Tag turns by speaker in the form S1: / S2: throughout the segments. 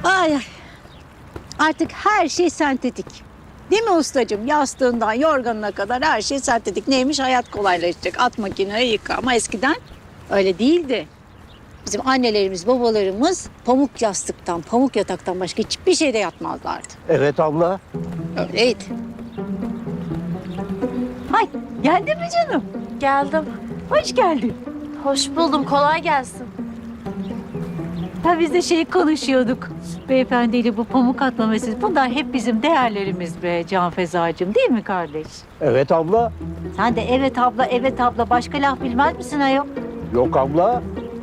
S1: Ay ay. Artık her şey sentetik. Değil mi ustacığım? Yastığından yorganına kadar her şey sentetik. Neymiş? Hayat kolaylaşacak. At makineyi yıka. Ama eskiden öyle değildi. Bizim annelerimiz, babalarımız pamuk yastıktan, pamuk yataktan başka hiçbir şeyde yatmazlardı.
S2: Evet abla.
S1: Öyleydi. Hay, geldin mi canım?
S3: Geldim.
S1: Hoş geldin.
S3: Hoş buldum. Kolay gelsin.
S1: Ha biz de şey konuşuyorduk. Beyefendiyle bu pamuk atma meselesi. Bunlar hep bizim değerlerimiz be Can Fezacığım, değil mi kardeş?
S2: Evet abla.
S1: Sen de evet abla, evet abla. Başka laf bilmez misin ayol?
S2: Yok abla.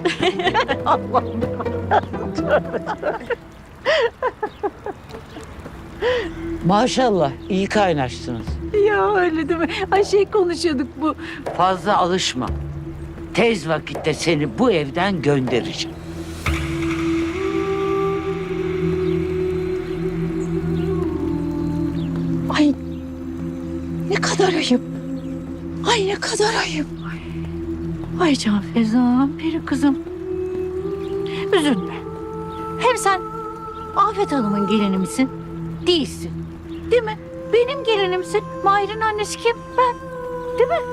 S4: Maşallah iyi kaynaştınız.
S1: Ya öyle değil mi? Ay şey konuşuyorduk bu.
S4: Fazla alışma. Tez vakitte seni bu evden göndereceğim.
S1: Ay ne kadar ayıp. Ay ne kadar ayıp. Ay Can Feza'm, peri kızım. Üzülme. Hem sen Afet Hanım'ın gelini misin? Değilsin. Değil mi? Benim gelinimsin. Mahir'in annesi kim? Ben. Değil mi?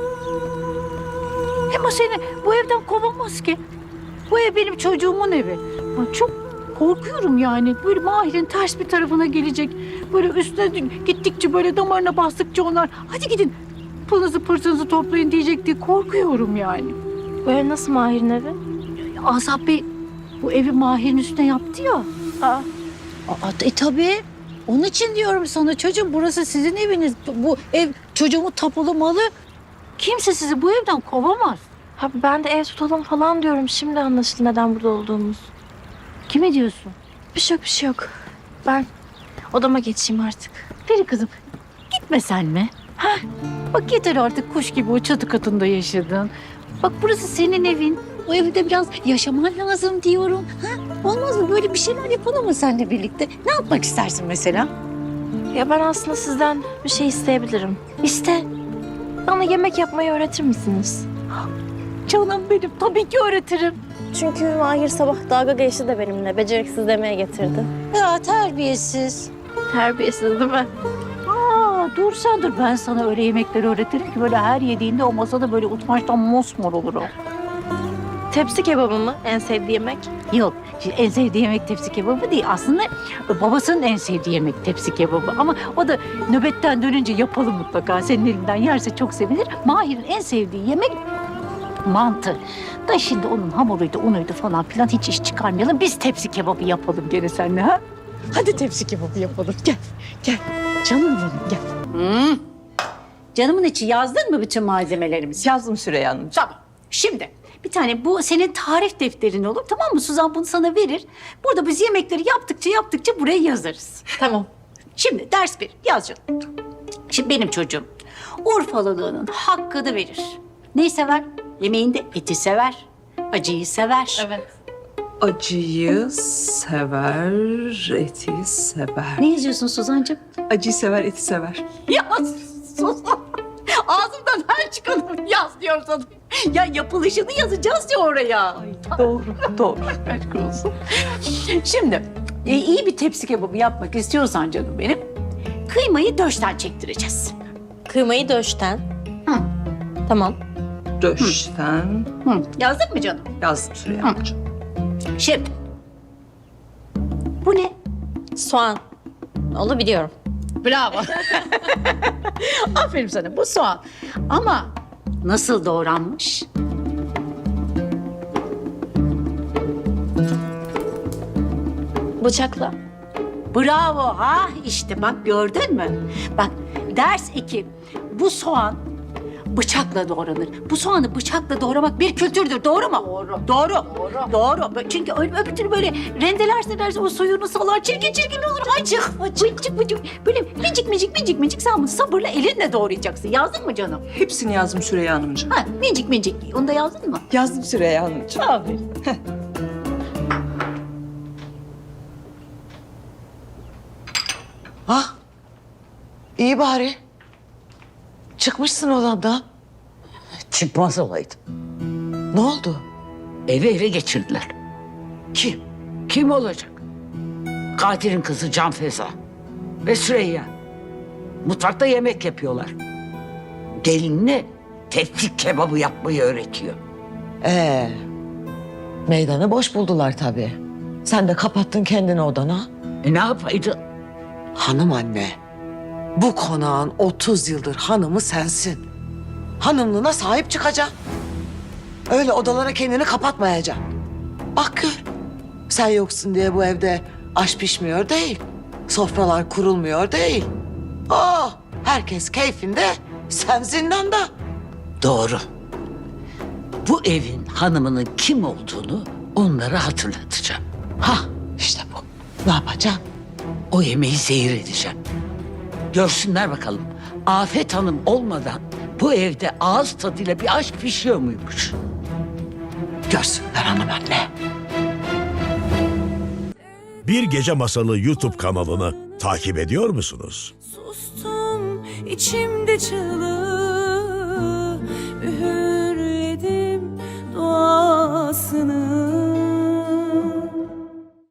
S1: Hem o seni bu evden kovamaz ki. Bu ev benim çocuğumun evi. Ben çok korkuyorum yani. Böyle Mahir'in ters bir tarafına gelecek. Böyle üstüne gittikçe böyle damarına bastıkça onlar hadi gidin pılınızı pırtınızı toplayın diyecek diye korkuyorum yani.
S3: Bu ev nasıl Mahir'in evi?
S1: Asap Bey bu evi Mahir'in üstüne yaptı ya.
S3: Aa,
S1: Tabii. Onun için diyorum sana çocuğum burası sizin eviniz. Bu ev çocuğumun tapulu malı. Kimse sizi bu evden kovamaz.
S3: ha, ben de ev tutalım falan diyorum. Şimdi anlaşıldı neden burada olduğumuz.
S1: Kime diyorsun?
S3: Bir şey yok, bir şey yok. Ben odama geçeyim artık.
S1: Peri kızım gitme sen mi? Heh, bak yeter artık kuş gibi o çatı katında yaşadın. Bak burası senin evin. O evde biraz yaşaman lazım diyorum. Ha? Olmaz mı? Böyle bir şeyler yapalım mı seninle birlikte? Ne yapmak istersin mesela?
S3: Ya ben aslında sizden bir şey isteyebilirim.
S1: İste.
S3: Bana yemek yapmayı öğretir misiniz?
S1: Canım benim tabii ki öğretirim.
S3: Çünkü Mahir sabah dalga geçti de benimle. Beceriksiz demeye getirdi.
S1: Ya terbiyesiz.
S3: Terbiyesiz değil mi?
S1: Dur sen dur. Ben sana öyle yemekleri öğretirim ki böyle her yediğinde o masada böyle utançtan mosmor olur o.
S3: Tepsi kebabı mı en sevdiği yemek?
S1: Yok. Şimdi en sevdiği yemek tepsi kebabı değil. Aslında babasının en sevdiği yemek tepsi kebabı. Ama o da nöbetten dönünce yapalım mutlaka. Senin elinden yerse çok sevinir. Mahir'in en sevdiği yemek mantı. Da şimdi onun hamuruydu, unuydu falan filan hiç iş çıkarmayalım. Biz tepsi kebabı yapalım gene seninle ha. Hadi tepsi kebabı yapalım. Gel, gel. Canım benim gel. Canımın içi yazdın mı bütün malzemelerimizi?
S5: Yazdım Süreyya Hanım.
S1: Tamam. Şimdi bir tane bu senin tarif defterin olur tamam mı? Suzan bunu sana verir. Burada biz yemekleri yaptıkça buraya yazarız.
S3: Tamam.
S1: Şimdi ders bir yaz canım. Şimdi benim çocuğum Urfalılığının hakkını verir. Neyi sever? Yemeğinde eti sever. Acıyı sever.
S3: Evet.
S5: Acıyı sever, eti sever.
S1: Ne yazıyorsun Suzancığım?
S5: Acıyı sever, eti sever.
S1: Ya Suzan. Ağzımdan her çıkanı yaz diyor sana. Ya yapılışını yazacağız ya oraya.
S5: Doğru, doğru. Aşk olsun.
S1: Şimdi iyi bir tepsi kebabı yapmak istiyorsan canım benim kıymayı döşten çektireceğiz.
S3: Kıymayı döşten.
S1: Hı.
S3: Tamam.
S5: Döşten
S1: Hı. Yazdık mı canım?
S5: yazdım Süreyya Hanımcığım.
S1: Şimdi bu ne?
S3: Soğan. Onu biliyorum.
S1: Bravo. Aferin sana bu soğan. Ama nasıl doğranmış?
S3: Bıçakla.
S1: Bravo ha işte bak gördün mü? Bak ders 2. Bu soğan bıçakla doğranır. Bu soğanı bıçakla doğramak bir kültürdür. Doğru mu? Doğru. Doğru. Çünkü öbür türlü böyle rendelerse o suyunu salar çirkin olur. Bıcık. Böyle minicik sen bunu sabırla elinle doğrayacaksın. Yazdın mı canım?
S5: Hepsini yazdım Süreyya Hanımcığım.
S1: Ha minicik. Onu da yazdın mı?
S5: Yazdım Süreyya Hanımcığım.
S1: Aferin.
S4: Ah, iyi bari. Çıkmışsın odandan.
S6: Çıkmaz olaydım.
S4: Ne oldu?
S6: Evi ele geçirdiler.
S4: Kim?
S6: Kim olacak?
S4: katilin kızı Can Feza ve Süreyya mutfakta yemek yapıyorlar. Gelinine teftik kebabı yapmayı öğretiyor.
S6: Meydanı boş buldular tabii. Sen de kapattın kendini odana.
S4: Ne yapaydın?
S6: Hanım anne, bu konağın 30 yıldır hanımı sensin. Hanımlığına sahip çıkacaksın. Öyle odalara kendini kapatmayacaksın. Bak gör, sen yoksun diye bu evde aş pişmiyor değil. Sofralar kurulmuyor değil. Herkes keyfinde, sen zindanda.
S4: Doğru. Bu evin hanımının kim olduğunu onlara hatırlatacağım.
S6: İşte bu. Ne yapacaksın?
S4: O yemeği zehir edeceğim. Görsünler bakalım. Afet Hanım olmadan bu evde ağız tadıyla bir aşk pişiyor muymuş?
S6: Görsünler hanım anne.
S7: Bir Gece Masalı YouTube kanalını takip ediyor musunuz?
S8: Sustum içimde çığlığı, üğürledim dua